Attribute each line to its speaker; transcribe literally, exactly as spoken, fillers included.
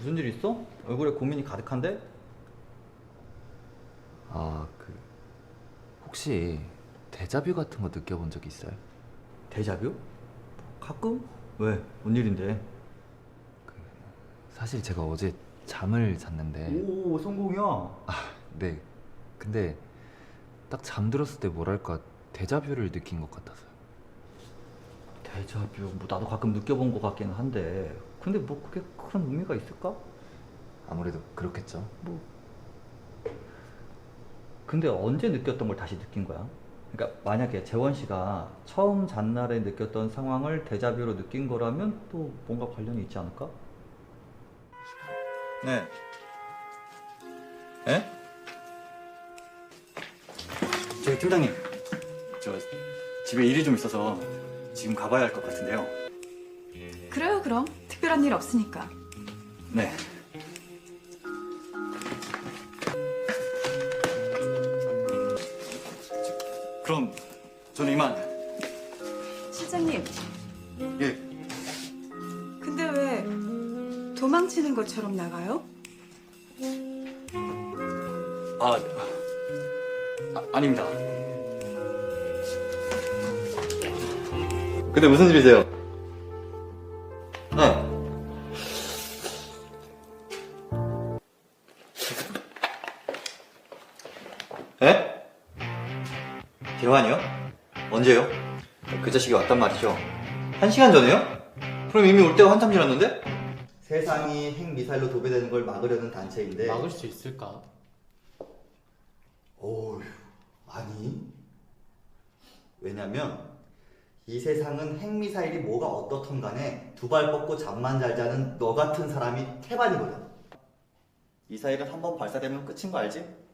Speaker 1: 무슨 일 있어? 얼굴에 고민이 가득한데?
Speaker 2: 아, 그 혹시 데자뷰 같은 거 느껴본 적 있어요?
Speaker 1: 데자뷰? 가끔? 왜? 뭔 일인데?
Speaker 2: 사실 제가 어제 잠을 잤는데
Speaker 1: 오, 성공이야.
Speaker 2: 네, 근데 딱 잠들었을 때 뭐랄까 데자뷰를 느낀 것 같아서요.
Speaker 1: 데자뷰, 뭐 나도 가끔 느껴본 것 같기는 한데, 근데 뭐 그게 큰 의미가 있을까?
Speaker 2: 아무래도 그렇겠죠.
Speaker 1: 뭐 근데 언제 느꼈던 걸 다시 느낀 거야? 그러니까 만약에 재원 씨가 처음 잔 날에 느꼈던 상황을 데자뷰로 느낀 거라면 또 뭔가 관련이 있지 않을까? 네. 에? 저기 팀장님, 저 집에 일이 좀 있어서 지금 가봐야 할 것 같은데요.
Speaker 3: 그래요, 그럼. 특별한 일 없으니까.
Speaker 1: 네. 그럼 저는 이만.
Speaker 3: 실장님,
Speaker 1: 예.
Speaker 3: 근데 왜 도망치는 것처럼 나가요?
Speaker 1: 아, 아 아닙니다. 근데 무슨 일이세요? 네. 에? 대환이요? 언제요? 그 자식이 왔단 말이죠. 한 시간 전에요? 그럼 이미 올 때가 한참 지났는데? 세상이 핵미사일로 도배되는 걸 막으려는 단체인데
Speaker 4: 막을 수 있을까?
Speaker 1: 어휴, 아니. 왜냐면 이 세상은 핵미사일이 뭐가 어떻든 간에 두 발 뻗고 잠만 잘 자는 너 같은 사람이 태반이거든. 미사일은 한 번 발사되면 끝인 거 알지?